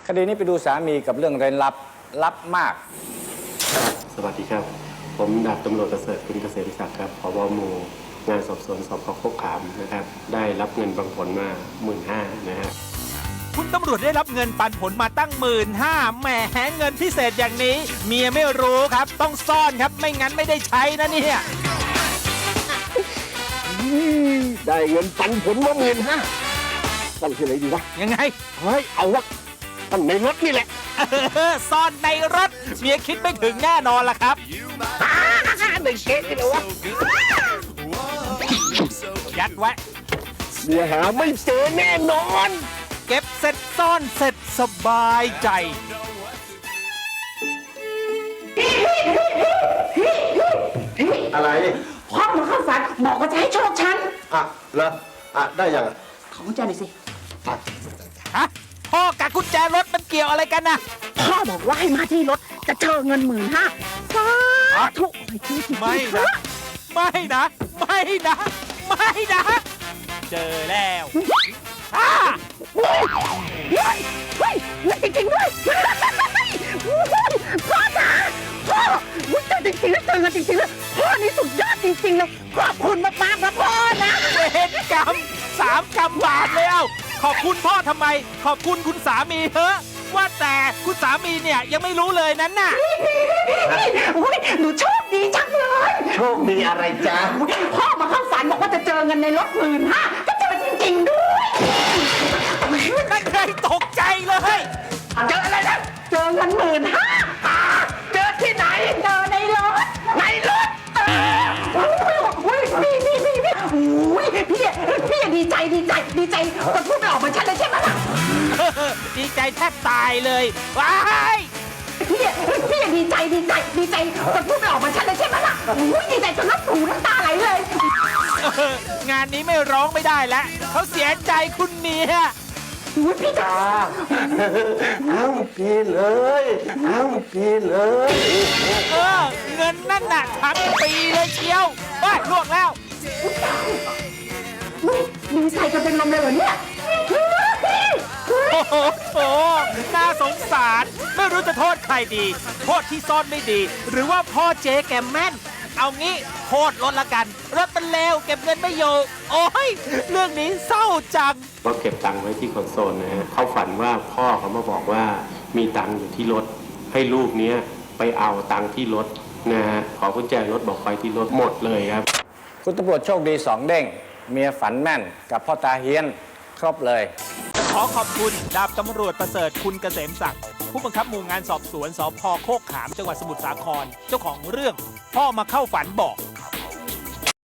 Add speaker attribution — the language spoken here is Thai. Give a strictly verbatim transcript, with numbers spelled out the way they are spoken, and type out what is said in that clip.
Speaker 1: คดีนี้ไปดูสามีกับเรื่องเร้นลับลับมาก
Speaker 2: สวัสดีครับผมดาบตำรวจประเสริฐคุณเกษมศักดิ์ครับผบ.หมู่งานสอบสวนสพ.โคกขามนะครับได้รับเงินปันผลมาหมื่นห้านะฮะ
Speaker 3: คุณตำรวจได้รับเงินปันผลมาตั้งหมื่นห้าแหมเงินพิเศษอย่างนี้ เมียไม่รู้ครับ ต้องซ่อนครับไม่งั้นไม่ได้ใช้นะเนี่ย
Speaker 4: ได้เงินปันผลมาหมื่นห้าตั้งที่ไหนดีวะ
Speaker 3: ยังไง
Speaker 4: เฮ้ยเอาวะตั้งในรถนี่แหละ
Speaker 3: เออซ่อนในรถ เมียคิดไม่ถึงแน่นอนล่ะครับ
Speaker 4: ในเก๊นี่แหละวะ
Speaker 3: ยัดไว้
Speaker 4: เดี๋ยวหาไม่เจอแน่นอน
Speaker 3: เก็บเสร็จซ่อนเสร็จสบายใจ
Speaker 4: อะไร
Speaker 5: พ่อมาเข้าฝันบอกว่าจะให้โชคฉัน
Speaker 4: อ่ะเหรออ่ะได้ยังอ่ะ
Speaker 5: ขอกุญแจหน่อยสิ
Speaker 3: ฮะ พ่อกับกุญแจรถมันเกี่ยวอะไรกันนะ
Speaker 5: พ่อบอกว่าให้มาที่รถจะเจอเงินหมื่นห้าสาธุไม่จริงจริง
Speaker 3: ไม่นะ ไม่นะ ไม่นะ ไม่นะ เจอแล้วอ่า
Speaker 5: เฮ้ยเฮ้ยเงินจริงๆด้วยพ่อจ๋าพ่อวุ้ยเจอจริงๆแล้วเจอเงินจริงๆแล้วพ่อนี่สุดยอดจริงๆเลยขอบคุณมากๆนะพ่อนะ
Speaker 3: เวรกรรมสามกรรมบาทแล้ว ขอบคุณพ่อทำไม ขอบคุณคุณสามีเถอะว่าแต่คุณสามีเนี่ยยังไม่รู้เลยนั้นน่ะ
Speaker 5: อุ้ยหนูโชคดีจังเลย
Speaker 4: โชคดีอะไรจ๊ะ
Speaker 5: พ่อมาเข้าฝันบอกว่าจะเจอเงินในรถหมื่นห้าก็เจอจริงๆด้วย
Speaker 3: นั่นเคยตกใจเลย
Speaker 5: เจออะไรนะเจอเงินหมื่นห้าเจอที่ไหน เจอในรถ ในรถอุ้ยพี่พี่พี่พี่อุ้ยพี่พี่ดีใจดีใจดีใจจนพูดไม่ออกเหมือนฉันเลยใช่ไหมล่ะ
Speaker 3: ดีใจแทบตายเลย ว้าย
Speaker 5: พี่พี่ดีใจดีใจดีใจจนพูดไม่ออกเหมือนฉันเลยใช่ไหมล่ะอุ้ยดีใจจนน้ำหูน้ำตาไหลเลย
Speaker 3: เอองานนี้ไม่ร้องไม่ได้แล้วเขาเสียใจคุณเมีย
Speaker 5: อุ้ยพี่จ๋า
Speaker 4: เอาพี่เลยเอาพี่เลย
Speaker 3: เออ เงินนั่นน่ะทั้งปีเลยเชียวเฮ้ยลวกแล้ว
Speaker 5: ดีใจจนเป็นลมเลยเหรอเนี่ย
Speaker 3: โอ้โหโอ้โหน่าสงสาร ไม่รู้จะโทษใครดี โทษที่ซ่อนไม่ดี หรือว่าพ่อเจ๊แกแม่น เอางี้โทษรถละกัน รถมันเลวเก็บเงินไม่อยู่ โอ้ย เรื่องนี้เศร้าจัง
Speaker 2: ก็เก็บตังค์ไว้ที่คอนโซลนะฮะเขาฝันว่าพ่อเขามาบอกว่ามีตังค์อยู่ที่รถให้ลูกเนี้ยไปเอาตังค์ที่รถนะฮะขอกุญแจรถบอกไปที่รถหมดเลยครับ
Speaker 1: คุณตำรวจโชคดีสองเด้ง เมียฝันแม่นกับพ่อตาเฮียน ครบเลย
Speaker 3: ขอขอบคุณดาบตำรวจประเสริฐคุณเกษมศักดิ์ผู้บังคับหมู่งานสอบสวนสพ.โคกขามจังหวัดสมุทรสาครเจ้าของเรื่องพ่อมาเข้าฝันบอก